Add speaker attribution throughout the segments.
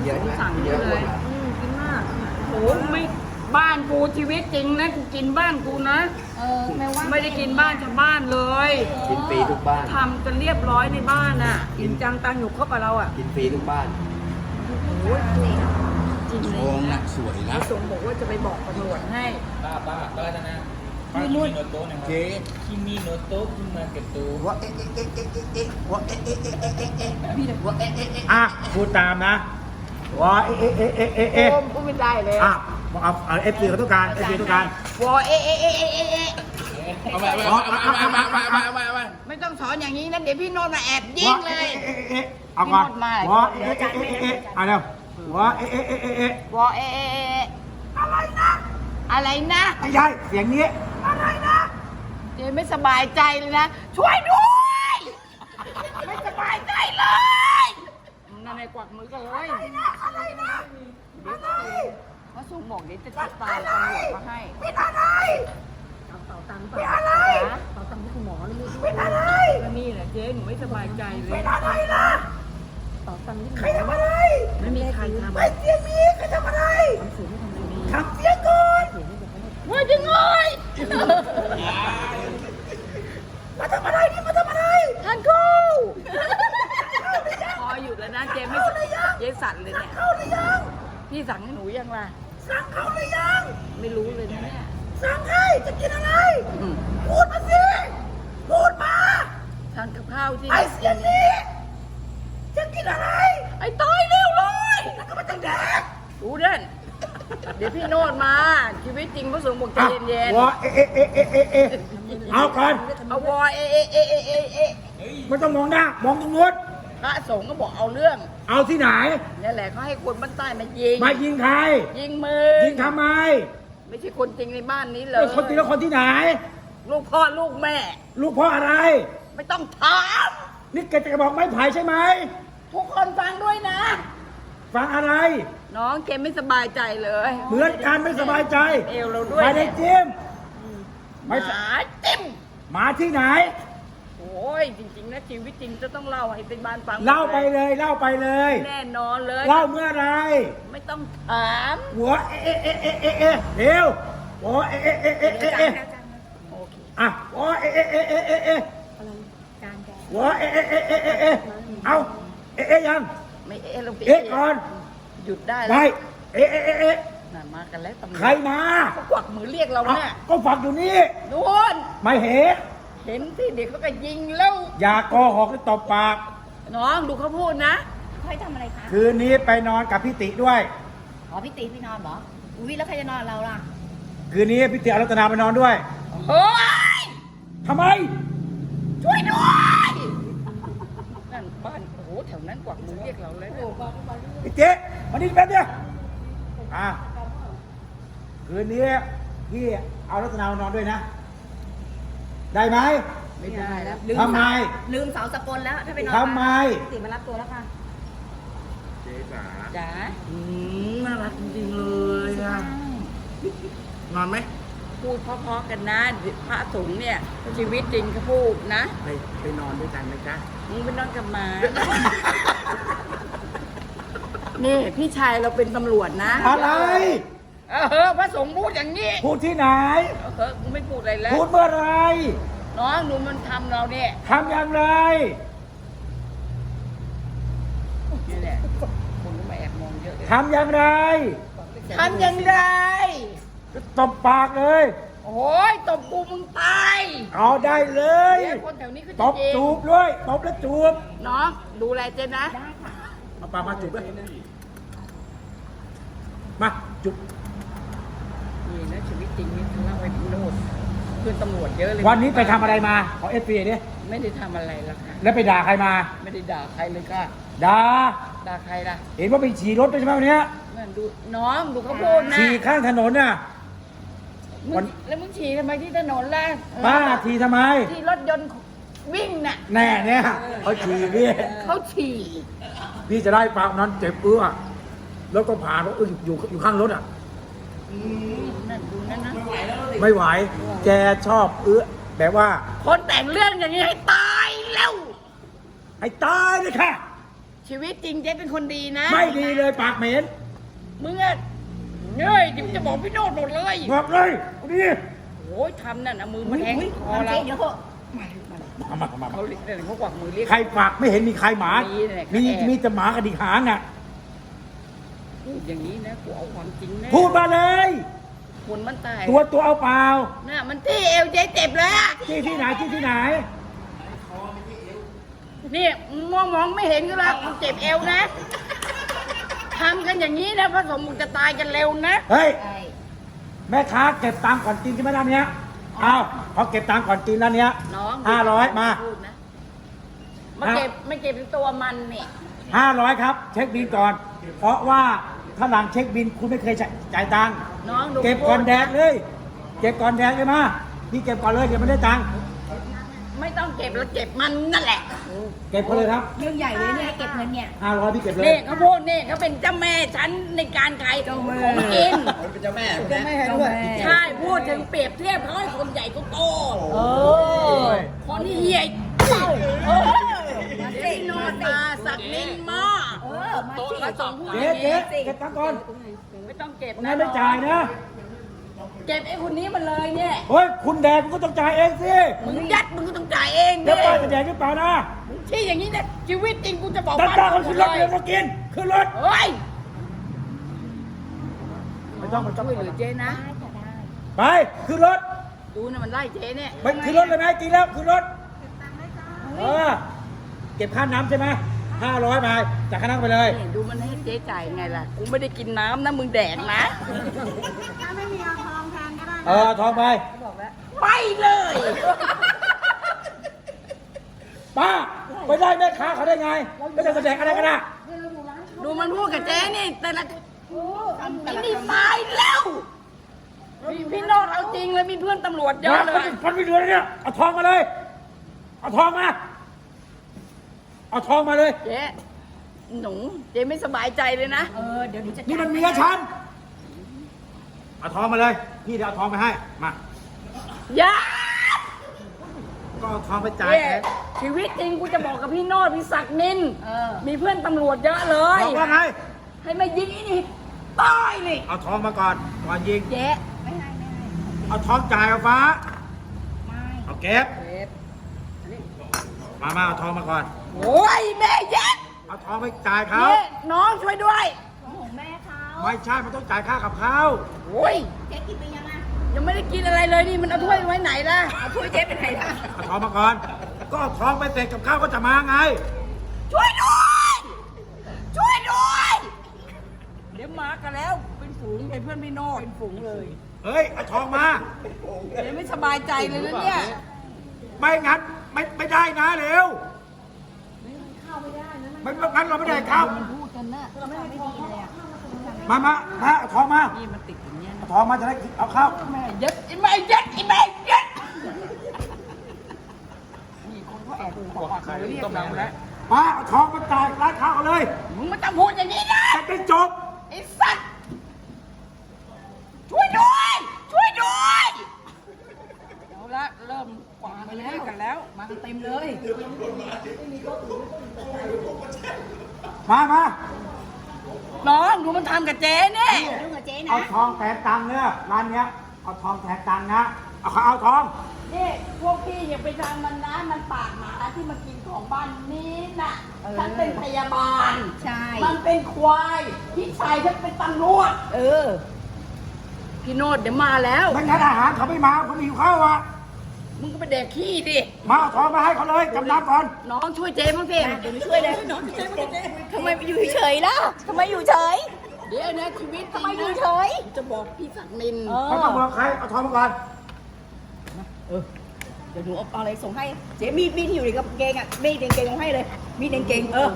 Speaker 1: เยอะนะ
Speaker 2: สั่ง
Speaker 1: เย
Speaker 2: เย
Speaker 1: อะ
Speaker 2: อะ
Speaker 1: เล
Speaker 2: เลย ยกินมากโอ้ไม่บ้านกูชีวิตจริงนะกูกินบ้านกูนะไม่ได้กินบ้านชาวบ้านเลย
Speaker 1: กินฟรีทุกบ้าน
Speaker 2: ทำกันเรียบร้อยในบ้านอ่ะกินจังตังอยู่ครบกับเราอ่ะ
Speaker 1: กินฟรีทุกบ้าน
Speaker 2: โอ้ยจริงเล
Speaker 3: โอ้
Speaker 2: ย
Speaker 3: นะสวยนะ
Speaker 2: พี่สงบอกว่าจะไปบอกตำรวจให้
Speaker 4: ป้าจะนะป้าคิมิโนโตะนะครับ
Speaker 3: เจ๊
Speaker 4: คิมิโนโตะคุมาเกตโต
Speaker 1: ว่าเอ๊ะว่าเอ๊ะว่าเอ๊ะ
Speaker 3: อ่ะพูดตามนะว่าเอ๊ะ
Speaker 2: โอมพูดไม่ได้เลย
Speaker 3: อ่ะเอาเอฟซีเขาต้องการเอฟซีต้องการ
Speaker 2: วอเอะเอะเอะเอะเอะ
Speaker 4: เอาไป
Speaker 2: ไม่ต้องสอนอย่างนี้นะเดี๋ยวพี่โนนท์มาแอบยิงเลย
Speaker 3: เอาก่อน
Speaker 2: พี่โนดมา
Speaker 3: ว่าเอาเร็วว่า
Speaker 2: วอเอะเอะเอะอะไรนะอะไรนะ
Speaker 3: ไม่ใช่เสียงนี้
Speaker 2: อะไรนะเจไม่สบายใจเลยนะช่วยด้วยไม่สบายใจเลยนั่นไงกวักมือกันเลยอะไรนะพระสงฆ์บอกเดี๋ยวจะติดตามตำรวจมาให้เป็นอะไรเต่าตังค์เป็นอะไรเต่าตังค์ที่คุณหมอนี่เป็นอะไรก็นี่แหละเจ๊หนูไม่สบายใจเลยเป็นอะไรนะเต่าตังค์ที่คุณหมอใครทำอะไรไม่มีใครทำไม่เสียมีใครทำอะไรทำเสียงไม่ทำอะไรทำเสียงก่อนว่าจังเลยมาทำอะไรนี่มาทำอะไรท่านครูพอหยุดแล้วนะเจ๊ไม่เจ๊สั่นเลยเนี่ยเข้าหรือยังพี่สั่งให้หนูยังล่ะสั่งเขาหรือยังไม่รู้เลยนะเนี่ยสั่งให้จะกินอะไรพูดมาสิพูดมาทานกับข้าวที่ไอ้เสียงนี้จะกินอะไรไอ้ต้อยเร็วเลยแล้วก็มาตั้งแดกรู้เด่นเดี๋ยวพี่โนดมาชีวิตจริงพระสงฆ์บอกใจเย็นๆ
Speaker 3: ว่าเอาก่อน
Speaker 2: เอาวอเอะเอะเอะเอะเอะเอะ
Speaker 3: ไม่ต้องมองหน้ามองตรงนู้น
Speaker 2: พระสงฆ์ก็บอกเอาเรื่อง
Speaker 3: เอาที่ไหน
Speaker 2: นี่แหละเขาให้คนบ้านใต้มายิง
Speaker 3: มายิงใคร
Speaker 2: ยิงมือ
Speaker 3: ยิงทำไม
Speaker 2: ไม่ใช่คนจริงในบ้านนี้เลย
Speaker 3: คนตีแล้วคนที่ไหน
Speaker 2: ลูกพ่อลูกแม่
Speaker 3: ลูกพ่ออะไร
Speaker 2: ไม่ต้องถาม
Speaker 3: นี่แกจะบอกไม้ไผ่ใช่ไหม
Speaker 2: ทุกคนฟังด้วยนะ
Speaker 3: ฟังอะไร
Speaker 2: น้องเจมไม่สบายใจเลย
Speaker 3: เหมือนกันไม่สบายใจ
Speaker 2: เอวเราด้วย
Speaker 3: ไม่ได้จิ้ม
Speaker 2: หมาจิ้ม
Speaker 3: หมาที่ไหน
Speaker 2: โอ้ยจริงๆนะชีวิตจริงจะต้องเล่าให้เป็นบ้านฟัง
Speaker 3: เล่าไปเลยเล่าไปเลย
Speaker 2: แน่นอนเลย
Speaker 3: เล่าเมื่อไร
Speaker 2: ไม่ต้องถาม
Speaker 3: หัวเร็วหัว
Speaker 2: โอเค
Speaker 3: อ่ะหัวหัวเอายัง
Speaker 2: ไม่เอะลงไป
Speaker 3: ก่อน
Speaker 2: หยุดได้
Speaker 3: ไป
Speaker 2: แล้วน่ะมากันแล้วตำรวจ
Speaker 3: ใครมา
Speaker 2: เขากวักมือเรียกเราเนี่ย
Speaker 3: ก็ฝักอยู่นี่
Speaker 2: นู่น
Speaker 3: ไม่เห็น
Speaker 2: เห็นที่เด็กเขาก็ยิงแล้ว
Speaker 3: อย่าโกหกให้ตบปาก
Speaker 2: น้องดูเขาพูดนะ
Speaker 5: ค่อยทำอะไรคะ
Speaker 3: คืนนี้ไปนอนกับพี่ติด้วย
Speaker 5: อ๋อพี่ตีพี่นอนเหรอ อุ้ยแล้วใครจะนอนเราล่ะ
Speaker 3: คืนนี้พี่ติอรัตนาไปนอนด้วย
Speaker 2: เฮ้ย
Speaker 3: ทำไม
Speaker 2: ช่วยด้วยนั่นบ้านโอ้โหแถวนั้นกวักมือเรียกเราเลยนะ
Speaker 3: พี่เจ๊มานี่แป๊บเดียวคืนนี้พี่เอารัตนามานอนด้วยนะ ได้ไหม
Speaker 2: ไม่ได้แล้ว
Speaker 3: ทำไม
Speaker 5: ลืมเสาสกลแล้ว ถ้าไปนอน
Speaker 3: ทำไม
Speaker 5: พี่ตีมารับตัวแล้วค่ะ
Speaker 2: จ๋า
Speaker 1: น่ารักจริงๆเลยอ่ะนอนไหม
Speaker 2: พูดเพราะๆกันนะพระสงฆ์เนี่ยชีวิตจริงเขาพูดนะ
Speaker 1: ไปนอนด้วยกันไหมจ๊ะ
Speaker 2: มึงไปนอนกับหมา นี่พี่ชายเราเป็นตำรวจนะ
Speaker 3: อะไร
Speaker 2: พระสงฆ์พูดอย่างนี้
Speaker 3: พูดที่ไหน
Speaker 2: กูไม่พูดอะไรแล้ว
Speaker 3: พูดเมื่อไหร
Speaker 2: น้องหนูมันทำเราเนี่ย
Speaker 3: ทำอย่างไร
Speaker 2: นี่แหละคนก็มาแอบมองเยอะเลย
Speaker 3: ทำอย่างไร
Speaker 2: ทำอย่างไร
Speaker 3: ตบปากเลย
Speaker 2: โอ้ยตบกูมึงตาย
Speaker 3: เอาได้เลย
Speaker 2: เดี๋ยวคนแถวนี้เขา
Speaker 3: ต
Speaker 2: จะ
Speaker 3: บ
Speaker 2: ยิง
Speaker 3: จูบด้วยตบแล้วจูบ
Speaker 2: น้องดูแลเจนนะ
Speaker 3: เอาปากมาจูบด้วยมาจูบ
Speaker 2: นี่นะชีวิตจริงนี่ทะเลาะไปโน่นเพื่อนตำรวจเยอะเลย
Speaker 3: วันนี้ไปทำอะไรมาขอเอฟพีดิ
Speaker 2: ไม่ได้ทำอะไรหรอกค่ะ
Speaker 3: แล้วไปด่าใครมา
Speaker 2: ไม่ได้ด่าใครเลยค่ะ
Speaker 3: ด่า
Speaker 2: ด่าใครล่ะ
Speaker 3: เห็นว่าไปฉี่รถด้วยใช่ไหมวันเนี้ย
Speaker 2: นั่นดูน้องดูเขาพูดนะ
Speaker 3: ฉี่ข้างถนนน่ะ
Speaker 2: มึงแล้วมึงฉี่ทำไมที่ถนนล่ะ
Speaker 3: ป้าฉี่ทำไม
Speaker 2: ที่รถยนต์วิ่งน่ะ
Speaker 3: แน่เนี่ยเขาฉี่พี่
Speaker 2: เขาฉี่
Speaker 3: พี่จะได้ฟังนั้นเจ็บแล้วก็ผ่านรถอยู่ข้างรถอ่ะ
Speaker 2: นั่นดูนั่นนะ
Speaker 3: ไม่ไหว แกชอบแบบว่า
Speaker 2: คนแต่งเรื่องอย่างนี้ให้ตายแล้ว
Speaker 3: ให้ตายเลยค่ะ
Speaker 2: ชีวิตจริงเจ๊เป็นคนดีนะ
Speaker 3: ไม่ดีเลยปากเหม็น
Speaker 2: มึงอะเฮ้ยเดี๋ยวจะบอกพี่โนดหมดเลย
Speaker 3: บอกเลยเอาดิ
Speaker 2: โอ้ยทำนั่นนะมือมันแทงคอ
Speaker 5: ทำ
Speaker 2: เรา
Speaker 5: เจ๊เดี๋ยวเถอะ
Speaker 3: มา
Speaker 2: เขาเรียกเขากวักมือเรียก
Speaker 3: ใครปากไม่เห็นมีใครหมา
Speaker 2: มีเนี่ย
Speaker 3: มีแต่หมากระดิกหางอ่ะ
Speaker 2: พูดอย่างนี้นะกูเอาความจริงแน่
Speaker 3: พูดมาเลย
Speaker 2: คนมันตาย
Speaker 3: ตัวเอาเปล่า
Speaker 2: น่ะมันที่เอวเจ๊เจ็บเลยอะ
Speaker 3: ที่ไหนที่ไหน
Speaker 2: นี่มองไม่เห็นก็แล้วกูเจ็บเอวนะทำกันอย่างนี้นะพระสงฆ์มึงจะตายกันเร็วนะ
Speaker 3: เฮ้ย
Speaker 5: ใช่
Speaker 3: แม่ค้าเก็บตังค์ก่อนกินใช่ไหมด้านเนี้ยเอาเขาเก็บตังค์ก่อนกินด้านเนี้ย
Speaker 2: น้อง
Speaker 3: 500มา
Speaker 2: พูดนะไม่เก็บเป็นตัวมันนี่
Speaker 3: 500ครับ เช็คบินก่อน เพราะว่าถ้าหลังเช็คบินคุณไม่เคยจ่ายตังค์
Speaker 2: น้องดู
Speaker 3: เก็บก่อนแดกเลย เก็บก่อนแดกเลยมาพี่เก็บก่อนเลยเดี๋ยวไม่ได้ตังค์
Speaker 2: ไม่ต้องเก็บแล้วเก็บมันนั่นแหละ
Speaker 3: เก็บก่อนเลยครับ
Speaker 5: เรื่องใหญ่เลยเนี่ยให้เก็บเงินเนี่ย
Speaker 3: 500พี่เก็บเลย
Speaker 2: นี่เขาพูดนี่เขาเป็นเจ้าแม่ฉันในการขายของกิน
Speaker 4: เป็นเจ้าแม่
Speaker 5: เจ้าแม่ด้วย
Speaker 2: ใช่พูดถึงเปรียบเทียบเขาให้คนใหญ่ก็โต
Speaker 5: เออ
Speaker 2: คนที่เฮีย
Speaker 5: เออมา
Speaker 2: เจ
Speaker 5: สิ
Speaker 2: โน
Speaker 5: มาสิ
Speaker 2: ตาสักนินมา
Speaker 5: เออมาสิ
Speaker 2: พระสงฆ์พูดอ
Speaker 3: เจ๊
Speaker 2: ย่าง
Speaker 3: เจ๊
Speaker 2: นี้
Speaker 3: เก็บตังค์ก่อน
Speaker 2: ไม่ต้องเก็บ
Speaker 3: งั้นไม่จ่ายนะ
Speaker 2: เก็บไอ้คนนี้มันเลยเนี่ย
Speaker 3: เฮ้ยคุณแดกคุณก็ต้องจ่ายเองสิ
Speaker 2: มึงยัดมึงก็ต้องจ่ายเอง
Speaker 3: แล้ว
Speaker 2: ดิ
Speaker 3: ป้าจะแดกหรือเปล่านะ
Speaker 2: ที่อย่างนี้เนี่ยชีวิตจริงกูจะบอก
Speaker 3: ตั้ง
Speaker 2: บ้าน
Speaker 3: ตาคน
Speaker 2: หม
Speaker 3: ขึ้
Speaker 2: ด
Speaker 3: นร
Speaker 2: เล
Speaker 3: ถ
Speaker 2: ย
Speaker 3: เดี๋ยวมากินขึ้นรถ
Speaker 2: เฮ้ย
Speaker 3: ไม่ต้อง
Speaker 2: ช่วยเหลือเจ๊นะ
Speaker 3: ไปขึ้นรถ
Speaker 2: ดูนะมันไล่เจ๊เนี่ย
Speaker 3: ไปขึ้นรถเลยไหมกินแล้วขึ้นรถเออเก็บค่าน้ำใช่ไหม500ไปจากค่าน้ำไปเลย
Speaker 2: นี่ดูมันให้เจ๊จ่ายไงล่ะกูไม่ได้กินน้ำนะมึงแดกนะ
Speaker 3: ทองไป
Speaker 2: ไปเลย
Speaker 3: ป้าไปได้แม่ค้าเขาได้ไงไม่ได้แสดงอะไรกันนะ
Speaker 2: ดูมันพูดกับเจ๊นี่แต่ละไอ้นี่ตายแล้วพี่โนดเอาจริงเลยมีเพื่อนตำรวจเยอะเลย
Speaker 3: ฟันไม่เหลือเลยเนี่ยเอาทองมาเลยเอาทองมาเอาทองมาเลย
Speaker 2: เจ๊หนูเจ๊ไม่สบายใจเลยนะ
Speaker 5: เออเดี๋ยวหนูจะ
Speaker 3: นี่มันเมียฉันเอาทองมาเลยพี่เดี๋ยวเอาทองไปให้มา
Speaker 2: อย่า
Speaker 3: ก็เอาทองไปจ่าย
Speaker 2: เจ๊
Speaker 3: แทน
Speaker 2: ชีวิตจริงกูจะบอกกับพี่โนดพี่ศักดิ์นิน
Speaker 5: เออ
Speaker 2: มีเพื่อนตำรวจเยอะเลย
Speaker 3: บอกว่าไง
Speaker 2: ให้มายิงไอ้นี่ตายนี่
Speaker 3: เอาทองมาก่อนยิง
Speaker 5: เจ๊ไม่ให้
Speaker 3: เอาทองจ่ายเอาฟ้า
Speaker 5: ไม่
Speaker 3: เอาเก็บมาเอาทองมาก่อน
Speaker 2: โอ้ยแม่เย็ด
Speaker 3: เอาทองไปจ่ายเขา
Speaker 2: เนี่ยน้องช่วยด้วย
Speaker 5: ของแม่เขา
Speaker 3: ไม่ใช่มันต้องจ่ายค่ากับข้าว
Speaker 2: โอ้ย
Speaker 5: เจ๊กินไปยังอ่ะ
Speaker 2: ยังไม่ได้กินอะไรเลยนี่มันเอาถ้วยไว้ไหนล่ะ
Speaker 5: เอาถ้วยเจ๊ไปไหนล่ะ
Speaker 3: เอาทองมาก่อน ก็เอาทองไปเสร็จกับข้าวก็จะมาไง
Speaker 2: ช่วยด้วยช่วยด้วยเดี๋ยวมากันแล้วเป็นฝูงเป็นเพื่อนพี่โนดเป็นฝูงเลย
Speaker 3: เฮ้ยเอาทองมา
Speaker 2: เดี๋ยวไม่สบายใจเลยนะเนี่ย
Speaker 3: ไม่งั้นไม่ได้นะเร็วไม่งั้นเราไม่ได้ข้าว
Speaker 2: พูดกันนะ
Speaker 5: ไม่ดีเลยอ่ะ
Speaker 3: มาเอาทองมา
Speaker 2: นี่มันติดอย่างเงี้ย
Speaker 3: เอาทองมาจะได้เอาข้าว
Speaker 2: แม่เย็ดไอ้แม่เย็ดไอ้แม่เย็ดนี่คนเขาแอบขอมาเรียกเราแล้ว
Speaker 3: มาเอาทองมาจ่ายร้านข้าวเอาเลย
Speaker 2: มึงไม่ต้องพูดอย่างนี้นะ
Speaker 3: จะได้จบ
Speaker 2: ไอ้สัตว์ช่วยด้วยช่วยด้วยเอาละเริ่มกวาดไปแล้วกันแล้ว
Speaker 5: มากันเต็มเลย
Speaker 3: มา
Speaker 2: น้องดูมันทำกับเจ๊เนี่ย
Speaker 5: ยุ่งกับเจ๊นะ
Speaker 3: เอาทองแทนตังค์เนี่ยร้านเนี้ยเอาทองแทนตังค์นะเอาทอง
Speaker 2: นี่พวกพี่อย่าไปทำมันนะมันปากหมาที่มันกินของบ้านนี้น่ะฉันเป็นพยาบาล
Speaker 5: ใช่
Speaker 2: มันเป็นควายพี่ชายฉันเป็นตำรวจ
Speaker 5: เออ
Speaker 2: พี่โนดเดี๋ยวมาแล้ว
Speaker 3: ไม่งั้นอาหารเขาไม่มาเขาหิวข้าวอ่ะ
Speaker 2: มึงก็ไปแดกขี้ดิ
Speaker 3: มาเอาทองมาให้เขาเลยจำนำก่อน
Speaker 2: น้องช่วยเจ๊มั้งสิ
Speaker 5: เดี๋ยวหนูช่วยเลยทำไมอยู่เฉยๆล่ะทำไมอยู่เฉย
Speaker 2: เดี๋ยวนะชีวิตจริ
Speaker 5: ทำ
Speaker 2: ง
Speaker 5: ไมอยู่
Speaker 2: นะ
Speaker 5: เฉย
Speaker 2: จะบอกพี่ศักดิ์นิน
Speaker 3: ไม่ต้องบอกใครเอาทองมาก่อน
Speaker 5: เดี๋ยวหนูเอาอะไรส่งให้ เจ๊มีดที่อยู่ในกางเกงอ่ะมีดในกางเกงเอาให้เลย มีดในกางเกงเออ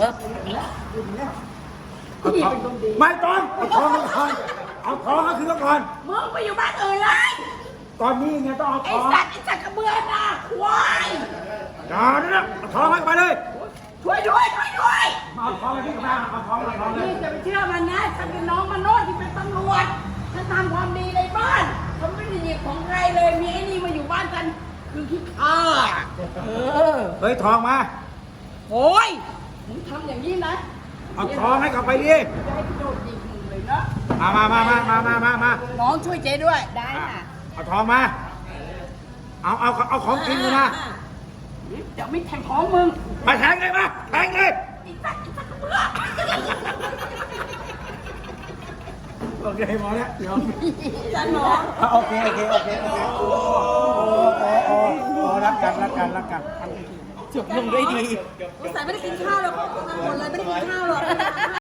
Speaker 3: เอาทองไม่ต้องเอาทองมาก่อนเอาทองก็คือก่อน
Speaker 2: มึงไปอยู่บ้านอื่นเลย
Speaker 3: ตอนนี้ไงต้องเอา
Speaker 2: ไอ้
Speaker 3: ทอง
Speaker 2: สัตว์ไอ้สัตว์กระเบือน่ะควาย
Speaker 3: อย่านะเอาทองให้ไปเลย
Speaker 2: ช่วยด้วยช่วยด้วย
Speaker 3: มาเอาทองไปที่กระบะเอาทองมาทองเลย
Speaker 2: นี่จะไปเชื่อมันนะฉันเป็นน้องมโนดที่เป็นตำรวจฉันทำความดีในบ้านฉันไม่ได้หยิบของใครเลยมีไอ้นี่มาอยู่บ้านฉันคือขี้ข้า
Speaker 3: เฮ้ยทองมา
Speaker 2: โอ้ยมึงทำอย่างนี้นะ
Speaker 3: เอาทองให้กลับไปดิ
Speaker 2: จะให้โดนยิงมึงเลยนะ
Speaker 3: มา
Speaker 2: น้องช่วยเจ๊ด้วย
Speaker 5: ได้ค่ะ
Speaker 3: เอาทองมา เอาของกินเลยนะ
Speaker 2: เดี๋ยวไม่แทงท้องมึง
Speaker 3: มาแทงเลยมาแทงเลยโอเคพอแล้วเดี๋ยว
Speaker 5: จันหมอ
Speaker 3: โอเคโอ้รักกัน
Speaker 2: จบลงด้วยดี
Speaker 5: สงสัยไม่ได้กินข้าวหรอกหมดเลยไม่ได้กินข้าวหรอก